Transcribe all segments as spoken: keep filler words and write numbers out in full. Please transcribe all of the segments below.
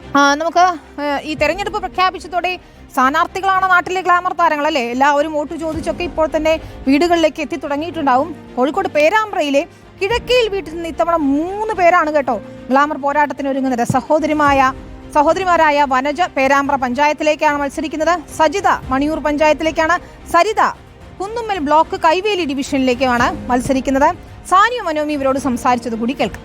നമുക്ക് ഈ തെരഞ്ഞെടുപ്പ് പ്രഖ്യാപിച്ചതോടെ സ്ഥാനാർത്ഥികളാണ് നാട്ടിലെ ഗ്ലാമർ താരങ്ങൾ അല്ലേ? എല്ലാവരും വോട്ട് ചോദിച്ചൊക്കെ ഇപ്പോൾ തന്നെ വീടുകളിലേക്ക് എത്തി തുടങ്ങിയിട്ടുണ്ടാവും. കോഴിക്കോട് പേരാമ്പ്രയിലെ കിഴക്കയിൽ വീട്ടിൽ നിന്ന് ഇത്തവണ മൂന്ന് പേരാണ് കേട്ടോ ഗ്ലാമർ പോരാട്ടത്തിന് ഒരുങ്ങുന്നത്. സഹോദരിമായ സഹോദരിമാരായ വനജ പേരാമ്പ്ര പഞ്ചായത്തിലേക്കാണ് മത്സരിക്കുന്നത്. സജിത മണിയൂർ പഞ്ചായത്തിലേക്കാണ്. സരിത കുന്നുമ്മൽ ബ്ലോക്ക് കൈവേലി ഡിവിഷനിലേക്കാണ് മത്സരിക്കുന്നത്. സാനിയ മനോമി ഇവരോട് സംസാരിച്ചത് കൂടി കേൾക്കാം.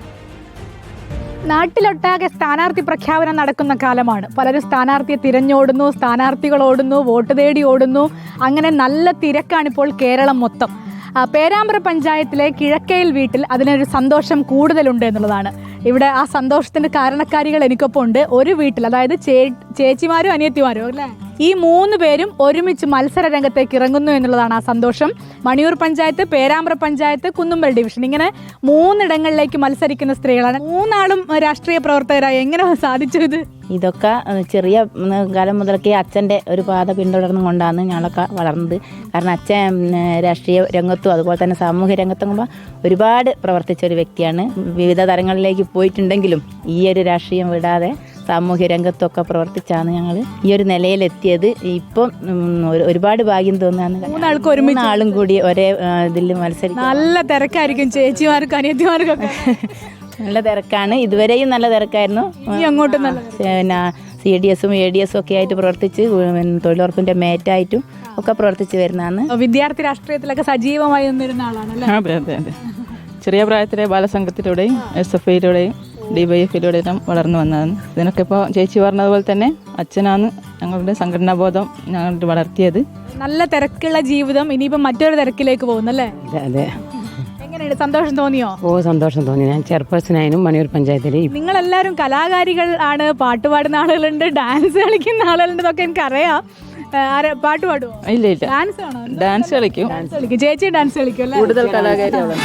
നാട്ടിലൊട്ടാകെ സ്ഥാനാർത്ഥി പ്രഖ്യാപനം നടക്കുന്ന കാലമാണ്. പലരും സ്ഥാനാർത്ഥിയെ തിരഞ്ഞോടുന്നു, സ്ഥാനാർത്ഥികൾ ഓടുന്നു, വോട്ട് തേടി ഓടുന്നു. അങ്ങനെ നല്ല തിരക്കാണിപ്പോൾ കേരളം മൊത്തം. പേരാമ്പ്ര പഞ്ചായത്തിലെ കിഴക്കയിൽ വീട്ടിൽ അതിനൊരു സന്തോഷം കൂടുതലുണ്ട് എന്നുള്ളതാണ്. ഇവിടെ ആ സന്തോഷത്തിന്റെ കാരണക്കാരികൾ എനിക്കൊപ്പം ഉണ്ട്. ഒരു വീട്ടിൽ, അതായത് ചേ ചേച്ചിമാരും അനിയത്തിമാരും അല്ലേ, ഈ മൂന്ന് പേരും ഒരുമിച്ച് മത്സര രംഗത്തേക്ക് ഇറങ്ങുന്നു എന്നുള്ളതാണ് ആ സന്തോഷം. മണിയൂർ പഞ്ചായത്ത്, പേരാമ്പ്ര പഞ്ചായത്ത്, കുന്നുമ്മൽ ഡിവിഷൻ, ഇങ്ങനെ മൂന്നിടങ്ങളിലേക്ക് മത്സരിക്കുന്ന സ്ത്രീകളാണ്. മൂന്നാളും രാഷ്ട്രീയ പ്രവർത്തകരായി. എങ്ങനെ സാധിച്ചു ഇത്? ഇതൊക്കെ ചെറിയ കാലം മുതലൊക്കെ അച്ഛൻ്റെ ഒരു പാത പിന്തുടർന്നു കൊണ്ടാണ് ഞങ്ങളൊക്കെ വളർന്നത്. കാരണം അച്ഛൻ രാഷ്ട്രീയ രംഗത്തും അതുപോലെ തന്നെ സാമൂഹ്യ രംഗത്തും ഒരുപാട് പ്രവർത്തിച്ച ഒരു വ്യക്തിയാണ്. വിവിധ തലങ്ങളിലേക്ക് പോയിട്ടുണ്ടെങ്കിലും ഈ ഒരു രാഷ്ട്രീയം വിടാതെ സാമൂഹ്യ രംഗത്തൊക്കെ പ്രവർത്തിച്ചാണ് ഞങ്ങൾ ഈ ഒരു നിലയിലെത്തിയത്. ഇപ്പം ഒരുപാട് ഭാഗ്യം തോന്നുകയാണ്. മൂന്നാൾക്ക് ഒരുമിച്ച് ആളും കൂടി ഒരേ ഇതിൽ മത്സരിക്കും. നല്ല തിരക്കായിരിക്കും ചേച്ചിമാർക്കും അനിയത്തിമാർക്കൊക്കെ. നല്ല തിരക്കാണ്. ഇതുവരെയും നല്ല തിരക്കായിരുന്നു. അങ്ങോട്ടും പിന്നെ സി ഡി എസും എ ഡി എസും ഒക്കെ ആയിട്ട് പ്രവർത്തിച്ച് തൊഴിലുറപ്പിന്റെ മേറ്റായിട്ടും ഒക്കെ പ്രവർത്തിച്ച് വരുന്നതാണ്. വിദ്യാർത്ഥി രാഷ്ട്രീയത്തിലൊക്കെ സജീവമായി നിന്നിരുന്ന ആളാണല്ലേ? അതെ അതെ അതെ. ചെറിയ പ്രായത്തിലെ ബാലസംഘത്തിലൂടെയും എസ് എഫ് ഐയിലൂടെയും ഡി വൈ എഫിലൂടെയും വളർന്നു വന്നതാണ്. ഇതിനൊക്കെ ഇപ്പോൾ ചേച്ചി പറഞ്ഞതുപോലെ തന്നെ അച്ഛനാണ് ഞങ്ങളുടെ സംഘടനാബോധം ഞങ്ങളുടെ വളർത്തിയത്. നല്ല തിരക്കുള്ള ജീവിതം ഇനിയിപ്പോൾ മറ്റൊരു തിരക്കിലേക്ക് പോകുന്നല്ലേ? അതെ അതെ. എങ്ങനെയാണ്, സന്തോഷം തോന്നിയോ? ഓ സന്തോഷം തോന്നി. ഞാൻ ചെയർപേഴ്സണായും മണിയൂർ പഞ്ചായത്തിൽ. നിങ്ങളെല്ലാവരും കലാകാരികൾ ആണ്, പാട്ട് പാടുന്ന ആളുകളുണ്ട്, ഡാൻസ് കളിക്കുന്ന ആളുകളുണ്ട്, ഇതൊക്കെ എനിക്കറിയാം. പാട്ട് പാടുമോ? ഇല്ല ഇല്ല, ഡാൻസ് ആണോ? ഡാൻസ് കളിക്കും. ഡാൻസ് കളിക്കും. ചേച്ചി ഡാൻസ് കളിക്കും അല്ലേ? കൂടുതൽ കലാകാരികളാണ്.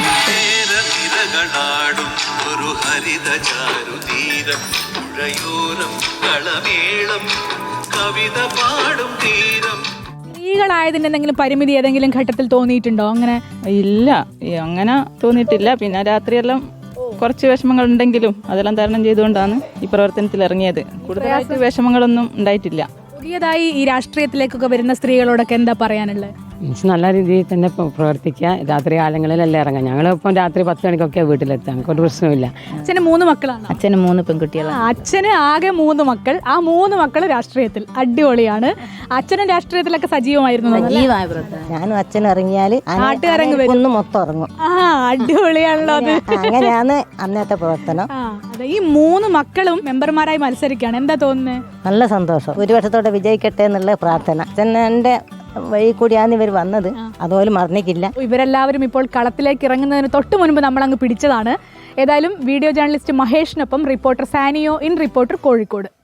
സ്ത്രീകളായതിന് എന്തെങ്കിലും പരിമിതി ഏതെങ്കിലും ഘട്ടത്തിൽ തോന്നിയിട്ടുണ്ടോ? അങ്ങനെ ഇല്ല, അങ്ങനെ തോന്നിയിട്ടില്ല. പിന്നെ രാത്രിയെല്ലാം കുറച്ച് വിഷമങ്ങൾ ഉണ്ടെങ്കിലും അതെല്ലാം തരണം ചെയ്തുകൊണ്ടാണ് ഈ പ്രവർത്തനത്തിൽ ഇറങ്ങിയത്. കൂടുതലായിട്ട് വിഷമങ്ങളൊന്നും ഉണ്ടായിട്ടില്ല. പുതിയതായി ഈ രാഷ്ട്രീയത്തിലേക്കൊക്കെ വരുന്ന സ്ത്രീകളോടൊക്കെ എന്താ പറയാനുള്ളത്? നല്ല രീതിയിൽ തന്നെ പ്രവർത്തിക്കുക. രാത്രി കാലങ്ങളിലെല്ലാം ഇറങ്ങാം. ഞങ്ങളിപ്പം രാത്രി പത്ത് മണിക്കൊക്കെ വീട്ടിലെത്താം. ഒരു പ്രശ്നമില്ല. അച്ഛന് മൂന്ന് മക്കളാണ്. അച്ഛന് മൂന്ന് പെൺകുട്ടികളാണ്. അച്ഛന് ആകെ മൂന്ന് മക്കൾ. ആ മൂന്ന് മക്കൾ രാഷ്ട്രീയത്തിൽ. അടിപൊളിയാണ്. അച്ഛനും രാഷ്ട്രീയത്തിലൊക്കെ സജീവമായിരുന്നു. ഞാനും അച്ഛൻ ഇറങ്ങിയാൽ നാട്ടുകാരങ്ങ് വരും, മൊത്തം ഇറങ്ങും. ആ അടിപൊളിയാണല്ലോ അത്. അങ്ങനെയാണ് അന്നത്തെ പ്രവർത്തനം. ഈ മൂന്ന് മക്കളും മെമ്പർമാരായി മത്സരിക്കുകയാണ്. എന്താ തോന്നുന്നത്? നല്ല സന്തോഷം. ഒരു വർഷത്തോടെ വിജയിക്കട്ടെ എന്നുള്ള പ്രാർത്ഥന. അച്ഛൻ്റെ വഴി കൂടിയാണ് ഇവർ വന്നത്. അതുപോലെ മറന്നിക്കില്ല. ഇവരെല്ലാവരും ഇപ്പോൾ കളത്തിലേക്ക് ഇറങ്ങുന്നതിന് തൊട്ട് മുൻപ് നമ്മളങ്ങ് പിടിച്ചതാണ്. ഏതായാലും വീഡിയോ ജേർണലിസ്റ്റ് മഹേഷിനൊപ്പം റിപ്പോർട്ടർ സാനിയോ ഇൻ റിപ്പോർട്ടർ കോഴിക്കോട്.